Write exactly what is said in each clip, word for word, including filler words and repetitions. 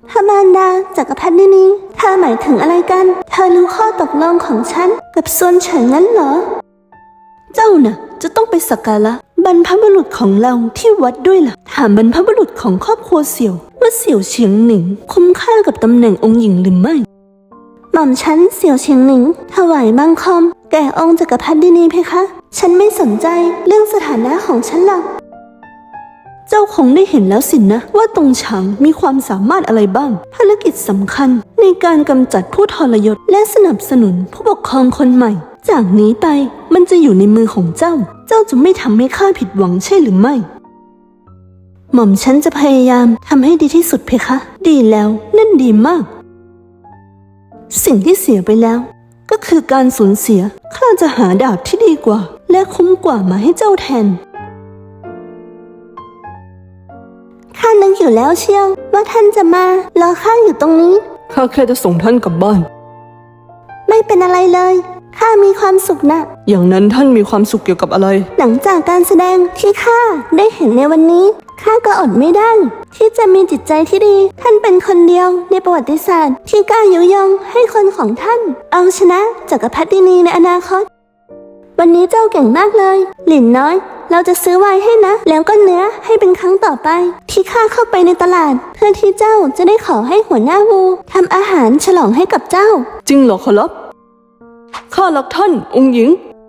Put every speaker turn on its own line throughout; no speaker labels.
พระมารดาจักรพรรดินีเธอหมายถึงอะไรกันเธอรู้ข้อตกลงของฉันกับส่วนเฉินงั้นเหรอเจ้าน่ะจะต้องไปสักการะบรรพบุรุษของเราที่วัดด้วยล่ะถามบรรพบุรุษของครอบครัวเสี่ยวว่าเสี่ยวเฉียงหนิงคุ้มค่ากับตำแหน่งองค์หญิงหรือไม่หม่อมฉันเสี่ยวเฉียงหนิงถวายบังคมแก่องค์จักรพรรดินีเพคะฉันไม่สนใจเรื่องสถานะของฉันหรอกเจ้าคงได้เห็นแล้วสินะว่าตงฉางมีความสามารถอะไรบ้างภารกิจสำคัญในการกำจัดผู้ทรยศและสนับสนุนผู้ปกครองคนใหม่จากนี้ไปมันจะอยู่ในมือของเจ้าเจ้าจะไม่ทำให้ข้าผิดหวังใช่หรือไม่หม่อมฉันจะพยายามทำให้ดีที่สุดเพคะดีแล้วนั่นดีมากสิ่งที่เสียไปแล้วก็คือการสูญเสียข้าจะหาดาบที่ดีกว่าและคุ้มกว่ามาให้เจ้าแทนข้านึกอยู่แล้วเชียวว่าท่านจะมารอข้าอยู่ตรงนี้
ข้าแค่จะส่งท่านกลับบ้าน
ไม่เป็นอะไรเลยข้ามีความสุขนะ
อย่างนั้นท่านมีความสุขเกี่ยวกับอะไร
หลังจากการแสดงที่ข้าได้เห็นในวันนี้ข้าก็อดไม่ได้ที่จะมีจิตใจที่ดีท่านเป็นคนเดียวในประวัติศาสตร์ที่กล้ายุยงให้คนของท่านเอาชนะจักรพรรดินีในอนาคตวันนี้เจ้าเก่งมากเลยหลินน้อยเราจะซื้อไวน์ให้นะแล้วก็เนื้อให้เป็นครั้งต่อไปที่ข้าเข้าไปในตลาดเพื่อที่เจ้าจะได้ขอให้หัวหน้าวูทำอาหารฉลองให้กับเจ้า
จริงเหรอขอรับข้ารักท่านองค์หญิง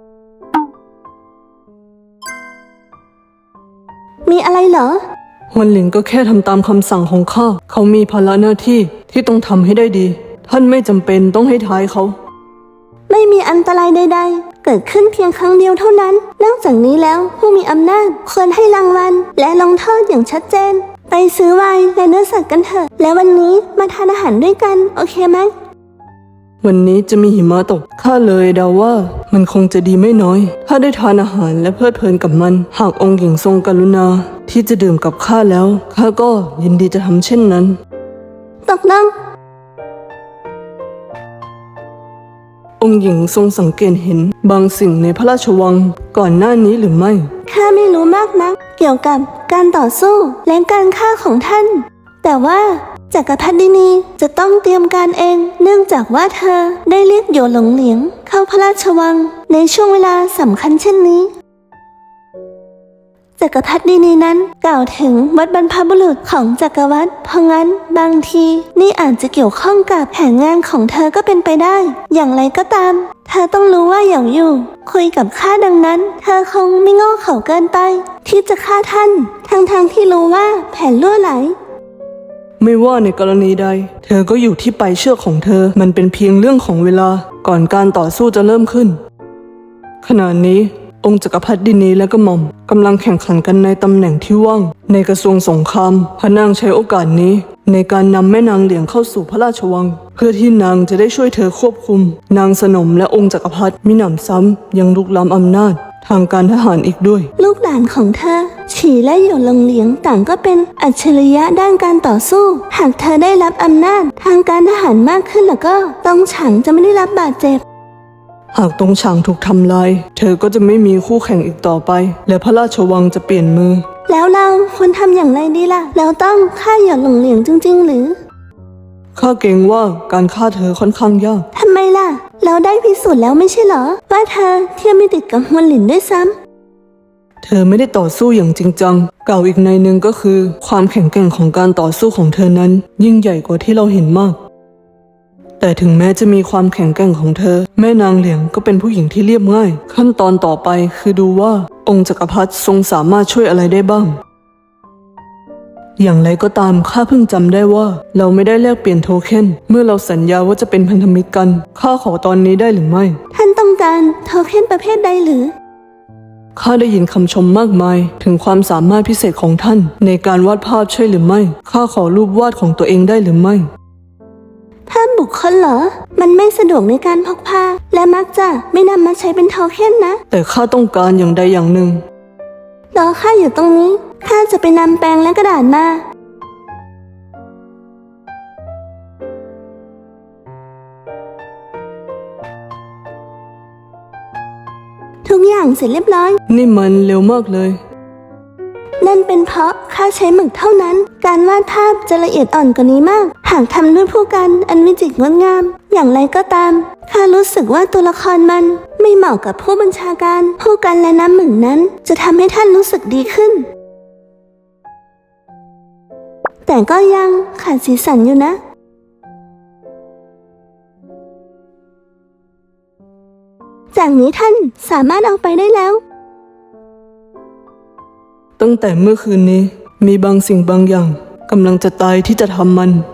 มีอะไรเหรอ
ฮวนหลินก็แค่ทำตามคำสั่งของข้าเขามีภาระหน้าที่ที่ต้องทำให้ได้ดีท่านไม่จำเป็นต้องให้ท้ายเขา
ไม่มีอันตรายใดๆเกิดขึ้นเพียงครั้งเดียวเท่านั้นนอกจากนี้แล้วผู้มีอำนาจควรให้รางวัลและลงโทษอย่างชัดเจนไปซื้อไวน์และเนื้อสัตว์กันเถอะและวันนี้มาทานอาหารด้วยกันโอเคไหม
วันนี้จะมีหิมะตกข้าเลยเดาว่ามันคงจะดีไม่น้อยถ้าได้ทานอาหารและเพลิดเพลินกับมันหากองค์หญิงทรงกรุณาที่จะดื่มกับข้าแล้วข้าก็ยินดีจะทำเช่นนั้น
ตกลง
องค์หญิงทรงสังเกตเห็นบางสิ่งในพระราชวังก่อนหน้านี้หรือไม่
ข้าไม่รู้มากนักเกี่ยวกับการต่อสู้และการฆ่าของท่านแต่ว่าจักรพรรดินีจะต้องเตรียมการเองเนื่องจากว่าเธอได้เรียกโยหลงเหลียงเข้าพระราชวังในช่วงเวลาสำคัญเช่นนี้จักรพรรดินีนั้นกล่าวถึงวัดบรรพบุรุษของจักรวรรดิเพราะงั้นบางทีนี่อาจจะเกี่ยวข้องกับแผนงานของเธอก็เป็นไปได้อย่างไรก็ตามเธอต้องรู้ว่าเหยาอยู่คุยกับข้าดังนั้นเธอคงไม่โง่เขลาเกินไปที่จะฆ่าท่านทั้งๆที่รู้ว่าแผนล่วไหล
ไม่ว่าในกรณีใดเธอก็อยู่ที่ปลายเชือกของเธอมันเป็นเพียงเรื่องของเวลาก่อนการต่อสู้จะเริ่มขึ้นขณะนี้องค์จักรพรรดินีและกระหม่อมกำลังแข่งขันกันในตำแหน่งที่ว่างในกระทรวงสงครามพระนางใช้โอกาสนี้ในการนำแม่นางเหลียงเข้าสู่พระราชวังเพื่อที่นางจะได้ช่วยเธอควบคุมนางสนมและองค์จักรพรรดิมิหนำซ้ำยังลุกล้ำอำนาจทางการทหารอีกด้วย
ลูกหลานของเธอฉีและหยวนหลงเหลียงต่างก็เป็นอัจฉริยะด้านการต่อสู้หากเธอได้รับอำนาจทางการทหารมากขึ้นแล้วก็ตงฉางจะไม่ได้รับบาดเจ็บ
หากตงฉางถูกทำลายเธอก็จะไม่มีคู่แข่งอีกต่อไปและพระราชวังจะเปลี่ยนมือ
แล้วเราควรทำอย่างไรดีล่ะแล้วต้องฆ่าหยวนหลงเหลียงจริงๆหรือ
ข้าเกรงว่าการฆ่าเธอค่อนข้างยาก
ทำไมล่ะเราได้พิสูจน์แล้วไม่ใช่เหรอว่าเธอเทียมไม่ติดกับฮวนหลินด้วยซ้ำ
เธอไม่ได้ต่อสู้อย่างจริงจังกล่าวอีกในหนึ่งก็คือความแข็งแกร่งของการต่อสู้ของเธอนั้นยิ่งใหญ่กว่าที่เราเห็นมากแต่ถึงแม้จะมีความแข็งแกร่งของเธอแม่นางเหลียงก็เป็นผู้หญิงที่เรียบง่ายขั้นตอนต่อไปคือดูว่าองค์จักรพรรดิทรงสามารถช่วยอะไรได้บ้างอย่างไรก็ตามข้าเพิ่งจำได้ว่าเราไม่ได้แลกเปลี่ยนโทเค็นเมื่อเราสัญญาว่าจะเป็นพันธมิตรกันข้าขอตอนนี้ได้หรือไม่
ท่านต้องการโทเค็นประเภทใดหรือ
ข้าได้ยินคำชมมากมายถึงความสามารถพิเศษของท่านในการวาดภาพใช่หรือไม่ข้าขอรูปวาดของตัวเองได้หรือไม่
ภาพบุคคลเหรอมันไม่สะดวกในการพกพาและมักจะไม่นำมาใช้เป็นโทเค็นนะ
แต่ข้าต้องการอย่างใดอย่างหนึ่ง
รอข้าอยู่ตรงนี้ข้าจะไปนำแปรงและกระดาษมาทุกอย่างเสร็จเรียบร้อย
นี่มันเร็วมากเลย
นั่นเป็นเพราะข้าใช้หมึกเท่านั้น การวาดภาพจะละเอียดอ่อนกว่านี้มาก หากทำด้วยผู้กันอันวิจิตรงดงาม อย่างไรก็ตามข้ารู้สึกว่าตัวละครมันไม่เหมาะกับผู้บัญชาการ ผู้กันและน้ำหมึกนั้นจะทำให้ท่านรู้สึกดีขึ้น แต่ก็ยังขาดสีสันอยู่นะจากนี้ท่านสามารถเอาไปได้แล้ว
ตั้งแต่เมื่อคืนนี้มีบางสิ่งบางอย่างกำลังจะตายที่จะทำมัน